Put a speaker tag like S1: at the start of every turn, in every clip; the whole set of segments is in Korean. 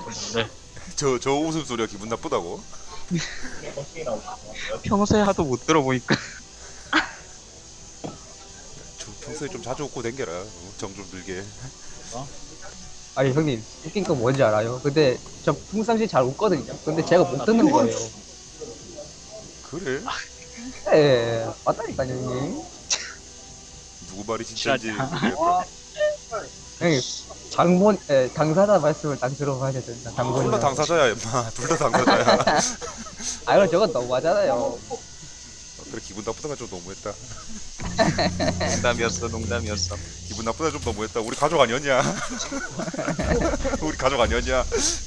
S1: 네.
S2: 저 웃음소리가 기분 나쁘다고?
S1: 평소에 하도 못 들어보니까.
S2: 평소에 좀 자주 웃고 댕겨라. 정 좀 들게.
S3: 아니 형님 웃긴 거 뭔지 알아요? 근데 저 평상시 잘 웃거든요. 근데 제가 못 듣는 거예요.
S2: 그래?
S3: 예, 맞다니까요 형님.
S2: 누구 말이 진짜인지 모르겠다.
S3: 형님 당사자 말씀을 딱 들어봐야 됩니다.
S2: 둘 다
S3: 당분이랑.
S2: 당사자야, 임마. 둘 다 당사자야.
S3: 아 이거 저건 너무하잖아요.
S2: 그래, 기분 나쁘다가 좀 너무했다.
S1: 농담이었어, 농담이었어.
S2: 기분 나쁘다 좀 너무했다. 우리 가족 아니었냐? 우리 가족 아니었냐?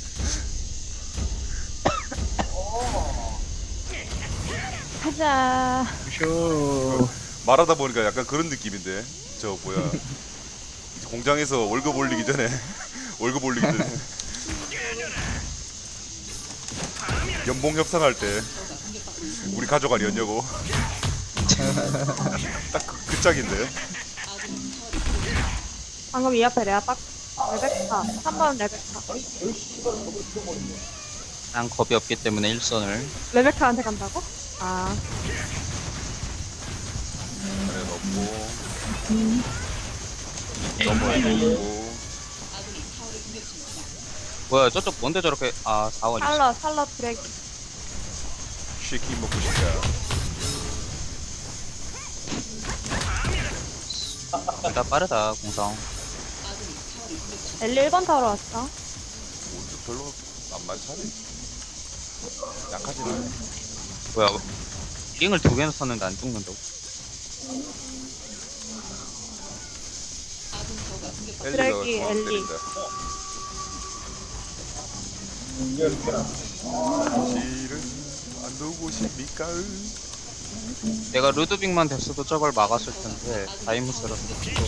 S4: 가자.
S1: 쇼.
S2: 말하다 보니까 약간 그런 느낌인데. 저 뭐야? 공장에서 월급 올리기 전에 월급 올리기 전에 연봉 협상할 때 우리 가족 아니었냐고. 딱 그 짝인데.
S4: 방금 이 앞에 내가 딱 레베카 3번 레베카
S1: 난 겁이 없기 때문에 일선을.
S4: 레베카한테 간다고? 아
S2: 안에 넣고 넘어에 넣고.
S1: 뭐야, 저쪽 뭔데 저렇게, 사원이 있어.
S4: 살러 드래기
S2: 치킨 먹고 싶다.
S1: 둘 다 빠르다, 공성.
S4: 엘리 1번 타러 왔어.
S2: 별로 안 많지. 약하진 않네.
S1: 뭐야, 링을 두 개나 썼는데 안 죽는다고.
S4: 쓰레기,
S2: 엘리가
S4: 엘리.
S2: 때린다. 실은 안 누구십니까?
S1: 내가 루드빅만 됐어도 저걸 막았을 텐데, 다이무스라서.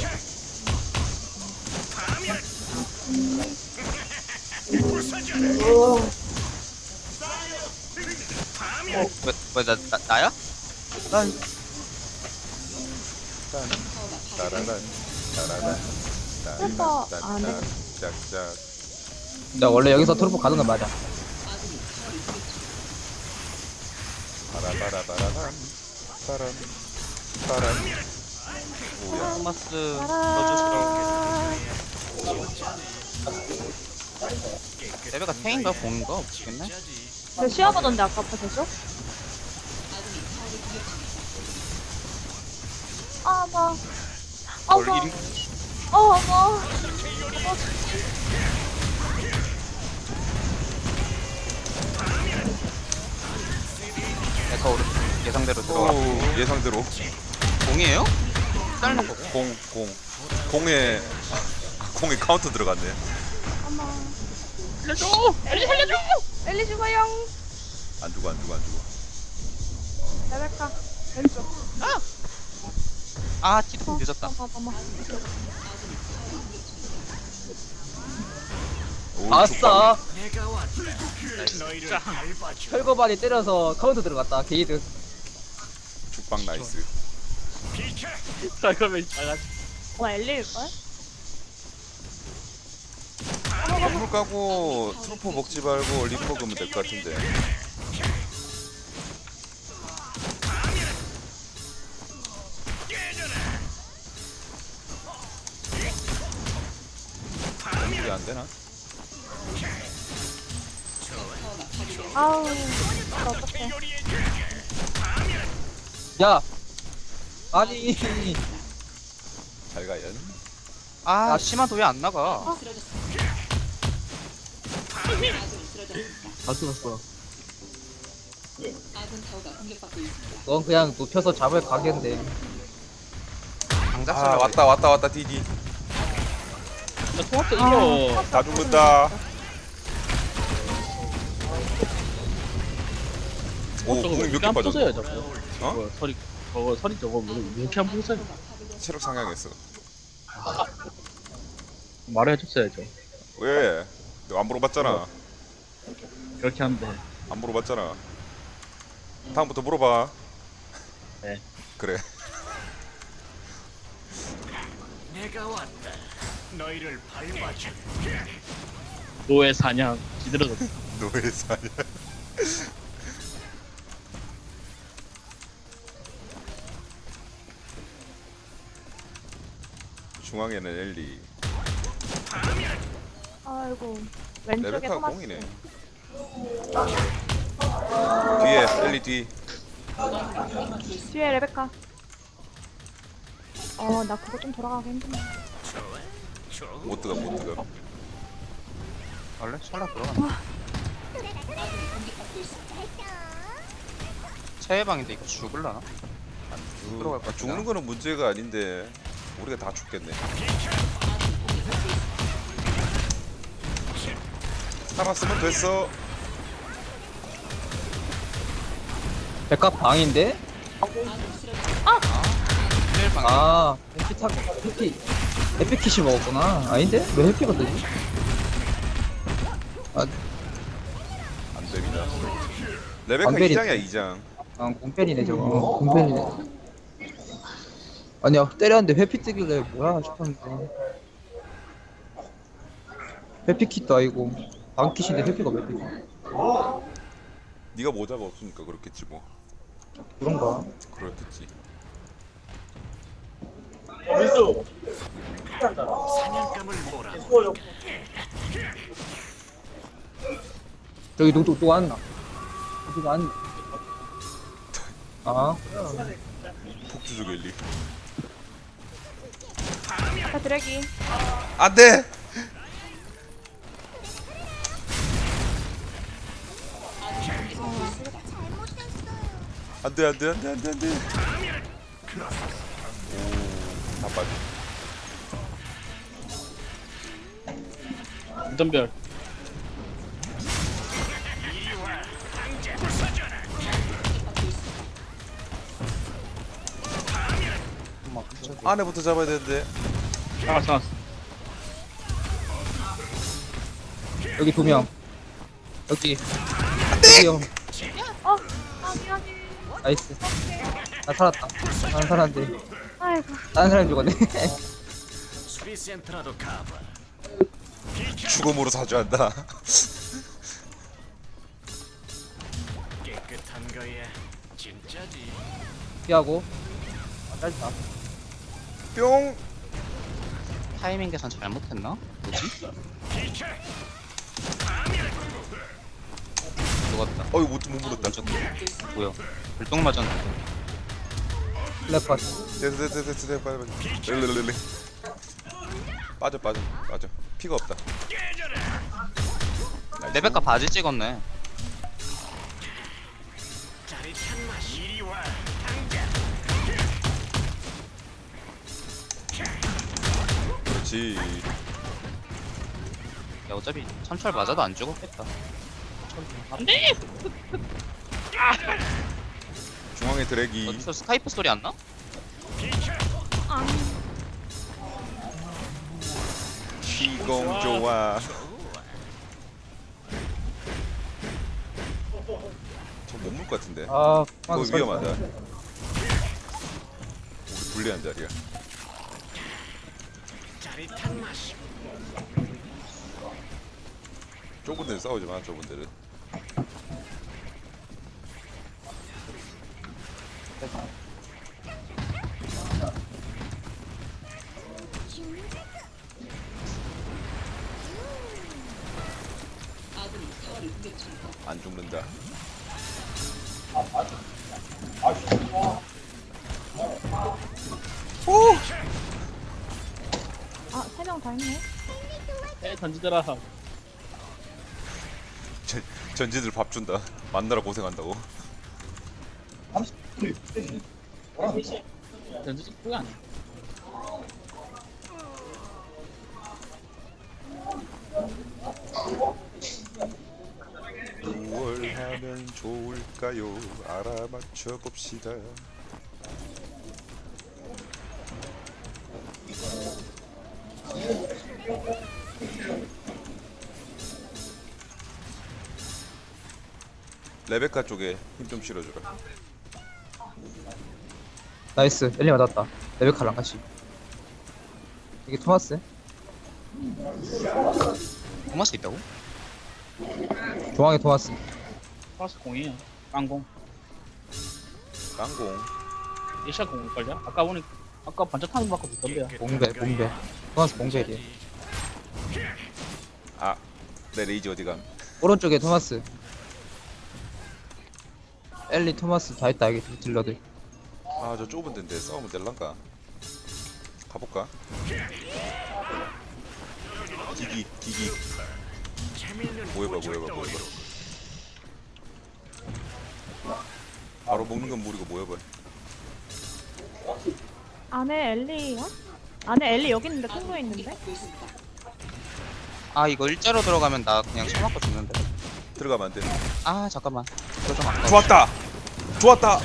S1: 나야? 난
S2: 따라란 따라란
S4: 그래서 안 해.
S2: 짝짝.
S3: 나 원래 여기서 트루프 가는 건 맞아.
S2: 바라바라바라란 바람 바람. 오야.
S1: 토마스
S4: 따라.
S1: 레베가 탱인가 공인가 없겠네?
S4: 저 시어보던데 아까부터 계속? 어머 어머
S1: 뭘
S4: 어머
S1: 에서 오른 예상대로 들어가.
S2: 오, 예상대로
S1: 공이에요? 짧은 거.
S2: 공에 공에 카운터 들어갔네.
S4: 어머
S1: 살려줘! 엘리 살려줘!
S4: 엘리 죽어요.
S2: 안 죽어 안 죽어 안 죽어.
S4: 레베카 왼쪽.
S1: 티도 늦었다.
S4: 어머
S2: 오,
S3: 아싸!
S1: 나이스.
S3: 철거반이 때려서 카운터 들어갔다. 게이드.
S2: 죽방 나이스.
S1: 잠깐만 나가.
S4: 어머 엘리일걸?
S2: 물 까고 트루퍼 먹지 말고 립 먹으면 될 것 같은데. 공격이 안 되나?
S4: 아우 어떡해.
S3: 야! 아니.
S2: 잘 가연.
S1: 심한도 왜 안 나가?
S3: 다 죽었어. 넌 그냥 눕혀서 잡을 가게인데.
S1: 장작
S2: 아, 왔다 디디.
S1: 토마스 이겨.
S2: 다 죽는다. 오,
S5: 저거
S2: 공이
S5: 왜
S2: 몇개
S5: 이렇게 안
S2: 빠졌어?
S5: 부서요 저거?
S2: 어?
S5: 저거 서리 저거 왜 이렇게 안 부서요?
S2: 체력 상향했어.
S5: 말해줬어야죠.
S2: 왜? 너 안 물어봤잖아.
S5: 그렇게 하는데
S2: 안 물어봤잖아. 다음부터 물어봐.
S5: 네.
S2: 그래.
S6: 내가 왔다. 너희를 밟아줄.
S5: 노예 사냥 지들어졌어.
S2: 노예 사냥. 중앙에는 엘리.
S4: 아이고. 왼쪽에
S2: 레베카가
S4: 토마스.
S2: 공이네. 뒤에 엘리 뒤.
S4: 뒤에 레베카. 나 그거 좀 돌아가기 힘드네.
S2: 못 들어가 못 들어가.
S1: 원래 샬라 들어가. 체해방인데 이거 죽을라나? 들어갈 것 같아.
S2: 죽는 거는 문제가 아닌데 우리가 다 죽겠네. 살았으면 됐어.
S3: 백합 방인데?
S1: 체해방.
S3: 아, 해피킷이 먹었구나. 아닌데? 왜 해피가 되지? 아,
S2: 안 됩니다. 레베카
S3: 완전히-
S2: 2장이야 2장.
S3: 공편이네 저거. 공편이네. 아니야, 때렸는데 회피 뜨길래 뭐야 싶었는데. 회피킷도 아니고 방킷인데 회피가 몇 피?
S2: 네가 모자가 없으니까 그렇겠지 뭐.
S3: 그런가?
S2: 그렇겠지.
S3: 저기 누구 왔나? 누가 왔나? 아,
S2: 폭주족 엘리.
S4: 자, 드래기.
S2: 안돼. 안돼 안돼 안돼 안돼 안돼. 오다 빠져.
S5: 무덤별.
S2: 안에부터 잡아야 되는데.
S5: 잡았어.
S3: 여기 두 명. 여기. 여기요.
S4: 미안해.
S3: 나이스. 나 살았다. 난 살았는데.
S4: 아이고.
S3: 다른 사람 죽었네.
S2: 죽음으로 사죄한다.
S6: 깨끗한 거야. 진짜지.
S3: 피하고. 아, 짧다.
S2: 뿅.
S1: 타이밍 계산 잘못했나? 뭐지? 죽었다.
S2: 어이 못 물었다.
S1: 뭐야? 불똥 맞았는데.
S3: 플래퍼.
S2: 됐어 빨리 렐렐렐레. 빠져 피가 없다.
S1: 레베카 바지 찍었네.
S6: 짜릿한 맛. 이리 와.
S2: 그렇지.
S1: 야 어차피 참철 맞아도 안 죽었겠다.
S2: 중앙에 드래기.
S1: 어디서 스카이프 소리 안 나?
S2: 시공 좋아. 저 못 물 것 같은데.
S3: 아,
S2: 그거 위험하다. 우리 불리한 자리야.
S6: 짜릿한 맛.
S2: 좁은 데는 싸우지 마. 좁은 데는. 안 죽는다.
S4: 세 명 다 있네.
S5: 던지더라.
S2: 전지들 밥 준다. 만나라 고생한다고.
S5: 던지지 그거 아니야.
S2: 뭘 하면 좋을까요? 알아맞혀 봅시다. 레베카 쪽에 힘 좀 실어주라.
S3: 나이스. 엘리 맞았다. 레베카랑 같이. 이게 토마스?
S1: 토마스 있다고?
S3: 중앙에 토마스.
S5: 토마스 공이에요. 깡공.
S2: 깡공.
S5: 에시아 공일걸요? 아까 보니 아까 반짝 타는 거 받고 있던데요.
S3: 봉배. 토마스 봉배리에.
S2: 아, 내 레이지 어디감?
S3: 오른쪽에 토마스. 엘리 토마스 다 있다, 여기 딜러들.
S2: 아, 저 좁은 데인데 싸우면 될란가? 가볼까? 기기. 모여봐. 바로 먹는 건 무리고 모여봐.
S4: 안에 엘리야? 안에 엘리 여기 있는데 통로에 있는데?
S1: 아 이거 일자로 들어가면 나 그냥 쳐맞고 죽는데.
S2: 들어가면 안 돼.
S1: 아 잠깐만. 이거 좀 아까워.
S2: 좋았다.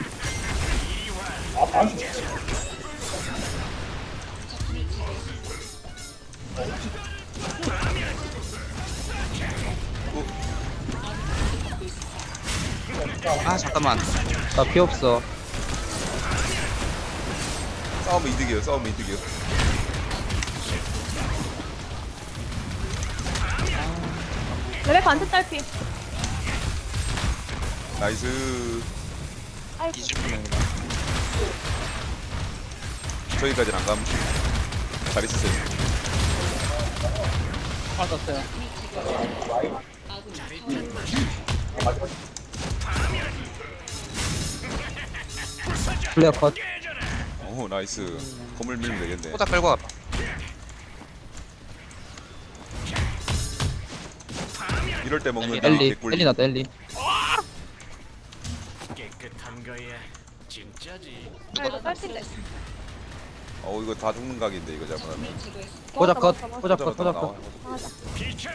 S1: 아 잠깐만.
S3: 나 피 없어.
S2: 싸우면 이득이에요.
S4: 레베카 안트 딸피.
S2: 나이스.
S1: 뒤질 뻔했네.
S2: 저기까지는 안 감. 잘 있으세요.
S5: 맞았어요.
S3: 플레어 컷.
S2: 오, 나이스. 건물 밀면 되겠네.
S1: 포자 끌고 가봐.
S2: 이럴 때 먹는
S3: 엘리
S2: 개꿀.
S3: 났다, 엘리.
S6: 깨끗한 거야. 진짜지.
S4: 아 이거 딸피인데.
S2: 이거 다 죽는 각인데 이거 잘못하면.
S3: 포자 컷.
S4: 맞아.
S3: 포자 컷.
S2: 나와.
S4: 맞아.
S6: 비켜.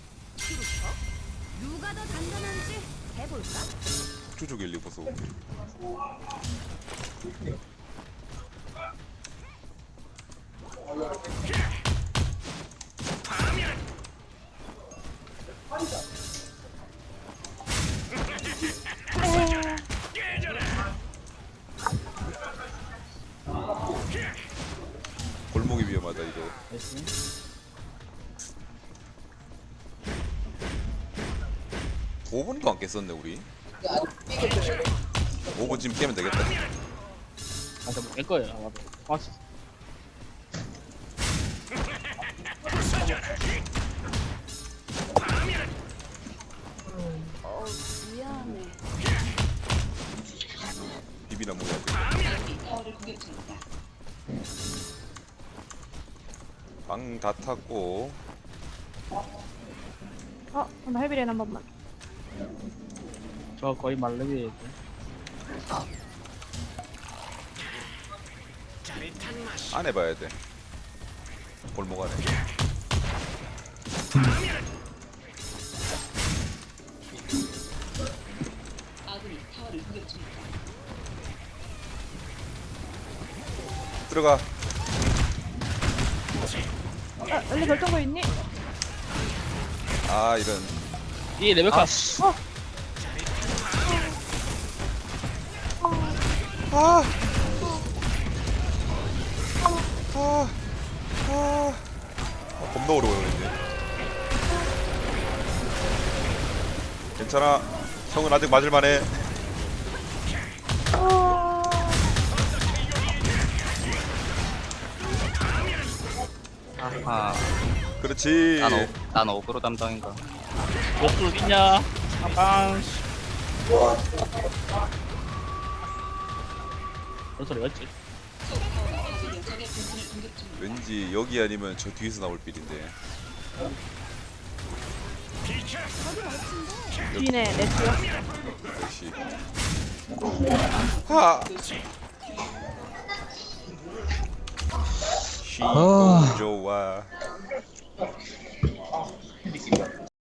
S7: 누가 더 단단한지 해볼까?
S2: 쭉쭉 엘리 보소. 골목이 위험하다 이거.
S5: 나이스.
S2: 5분도 안 깼었네 우리. 5분쯤 깨면 되겠다.
S5: 아, 저깰 거예요. 아마도. 토마스.
S7: 미안해.
S2: 비비나 먹어야 돼. 방 다 탔고.
S4: 나 헤비레인 한 번만.
S5: 저 거의 말레비.
S6: 짜릿한 맛이.
S2: 안에 봐야 돼. 골목 안에. 들어가.
S4: 엘리 결정거 있니?
S2: 아 이런.
S5: 이 레베카.
S2: 겁나 오래 걸리네. 괜찮아. 형은 아직 맞을만해.
S1: 아하.
S2: 그렇지.
S1: 난 어그로 담당인가.
S5: 옆으로 어딨냐? 빵. 그런 소리 맞지?
S2: 왠지 여기 아니면 저 뒤에서 나올 빌인데.
S4: 뒤네 네트요.
S2: 역시. 하.
S3: 아.
S2: 좋아.